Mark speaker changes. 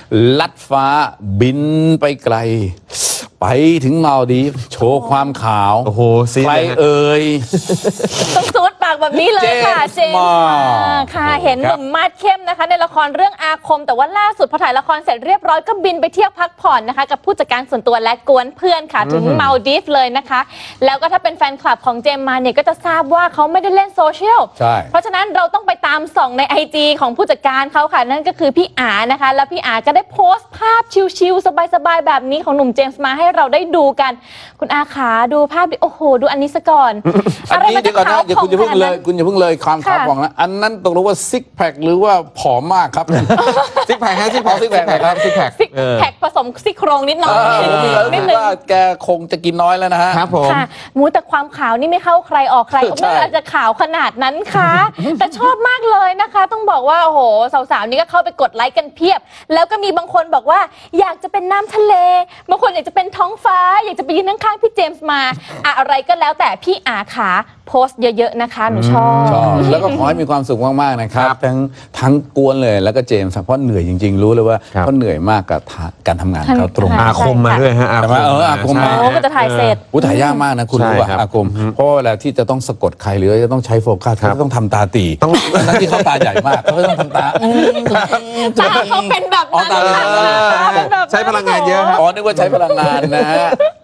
Speaker 1: ลัดฟ้าบินไปไกลไปถึงมาลดีฟโชว์ความขาว
Speaker 2: โอ้โห
Speaker 1: ใครเอ่ย
Speaker 3: ต้องซูดปากแบบนี้เลยค่ะเจมส์ค่ะเห็นหนุ่มมาดเข้มนะคะในละครเรื่องอาคมแต่ว่าล่าสุดพอถ่ายละครเสร็จเรียบร้อยก็บินไปเที่ยวพักผ่อนนะคะกับผู้จัดการส่วนตัวและกวนเพื่อนค่ะถึงมาลดีฟเลยนะคะแล้วก็ถ้าเป็นแฟนคลับของเจมส์มาเนี่ยก็จะทราบว่าเขาไม่ได้เล่นโซเชียลเพราะฉะนั้นเราต้องไปตามส่องใน IG ของผู้จัดการเขาค่ะนั่นก็คือพี่อานะคะแล้วพี่อาก็ได้โพสต์ภาพชิลๆสบายๆแบบนี้ของหนุ่มเจมส์มาให้เราได้ดูกันคุณอาขาดูภาพดิโอ้โหดูอันนี้ซะก่อน
Speaker 1: อันนี้เดี๋ยวก่อนนะคุณอย่าเพิ่งเลยความขาวของนะอันนั้นตกลงว่าซิกแพคหรือว่าผอมมากครับ
Speaker 2: ซิกแพคฮะซิกแพคครับซิกแพค
Speaker 3: ผสมซี่โครงนิดหน่อย
Speaker 1: นิดนึงว่าแกคงจะกินน้อยแล้วนะฮะ
Speaker 2: ครับผม
Speaker 3: มูแต่ความขาวนี่ไม่เข้าใครออกใครไม่อาจจะขาวขนาดนั้นค่ะแต่ชอบมากเลยนะคะต้องบอกว่าโอ้โหสาวๆนี่ก็เข้าไปกดไลค์กันเพียบแล้วก็มีบางคนบอกว่าอยากจะเป็นน้ำทะเลบางคนอยากจะเป็นท้องฟ้าอยากจะไปยืนข้างๆพี่เจมส์มาอะไรก็แล้วแต่พี่อาขาโพสต์เยอะๆนะคะหนูชอบ
Speaker 1: แล้วก็ขอให้มีความสุขมากๆนะครับทั้งกวนเลยแล้วก็เจมส์เพราะเหนื่อยจริงๆรู้เลยว่าเขาเหนื่อยมากกับการทำงานเขาตรง
Speaker 2: อาคมมาด้วยฮะ
Speaker 1: อาคมมา
Speaker 3: ก็จะถ่ายเสร็จ
Speaker 1: ถ่ายยากมากนะคุณรู้ป่ะอาคมเพราะเวลาที่จะต้องสะกดใครหรือจะต้องใช้โฟกัสเขาต้องทำตาตีทั้งที่เขาตาใหญ่มากเขาต้องทำตา
Speaker 3: เขาเป็นแบบ
Speaker 2: ใช้พลังงานเยอะ
Speaker 1: อ๋อนึกว่าใช้พลังงานนะฮะ